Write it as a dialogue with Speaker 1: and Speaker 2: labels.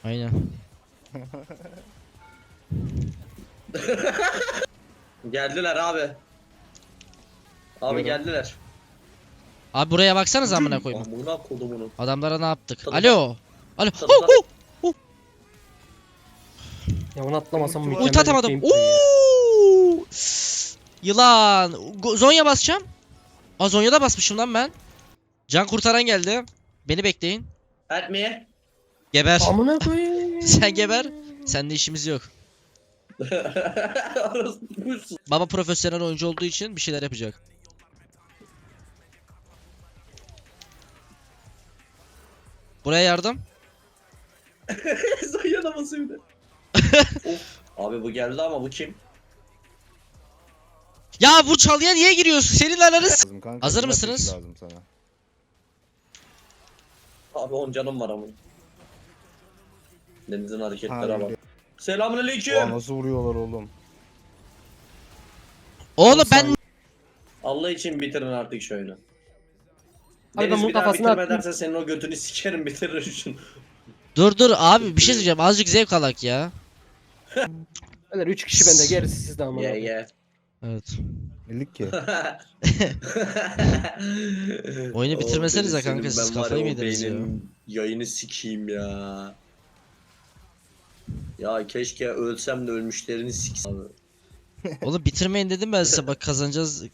Speaker 1: Aynen.
Speaker 2: Geldiler abi. Abi
Speaker 3: Buyurun.
Speaker 2: geldiler.
Speaker 1: Abi buraya baksanız amına koyayım.
Speaker 2: Amına kodumunu.
Speaker 1: Adamlara ne yaptık?
Speaker 2: Tadı
Speaker 1: Alo. Alo.
Speaker 2: Tadı
Speaker 4: Ya onu atlamasam
Speaker 3: Ulti
Speaker 4: mükemmel bir
Speaker 1: atamadım.
Speaker 4: gameplay ya.
Speaker 1: Oo! Yılan. Zonya basacağım. Aa Zonya'da basmışım lan ben. Can kurtaran geldi. Beni bekleyin.
Speaker 2: Help me.
Speaker 1: Geber.
Speaker 4: Amına koyayım.
Speaker 1: Sen geber. Seninle işimiz yok.
Speaker 2: Orası buyursun.
Speaker 1: Baba profesyonel oyuncu olduğu için bir şeyler yapacak. Buraya yardım.
Speaker 2: Zayana basıyor bir de. Of. Abi bu geldi ama bu kim?
Speaker 1: Ya bu çalıya niye giriyorsun? Senin ananı s-
Speaker 3: Lazım kanka.
Speaker 1: Hazır
Speaker 3: Silah
Speaker 1: mısınız?
Speaker 3: sesi Lazım sana.
Speaker 2: Abi 10 canım var ama. Deniz'in hareketlere
Speaker 3: Ha,
Speaker 2: bak.
Speaker 3: öyle.
Speaker 2: Selamünaleyküm.
Speaker 3: Oha, nasıl vuruyorlar oğlum?
Speaker 1: Oğlum ben
Speaker 2: Allah için bitirin artık şu oyunu.
Speaker 4: Abi ben
Speaker 2: Deniz
Speaker 4: bunun
Speaker 2: bir daha
Speaker 4: kafasına
Speaker 2: bitirme
Speaker 4: attım.
Speaker 2: dersen senin o götünü sikerim bitirir şunu.
Speaker 1: dur abi bir şey söyleyeceğim. Azıcık zevk alak ya.
Speaker 4: Beyler 3 kişi bende, gerisi sizde amına.
Speaker 2: Ye ye.
Speaker 1: Evet.
Speaker 3: Delik ki.
Speaker 1: Oyunu bitirmesenize
Speaker 2: Deniz,
Speaker 1: kanka,
Speaker 2: senin
Speaker 1: siz
Speaker 2: ben var
Speaker 1: kafayı
Speaker 2: ya,
Speaker 1: mı yediniz ya?
Speaker 2: beynin Yayını sikeyim ya. Ya keşke ölsem de ölmüşlerini siksem.
Speaker 1: Oğlum bitirmeyin dedim ben size, bak kazanacağız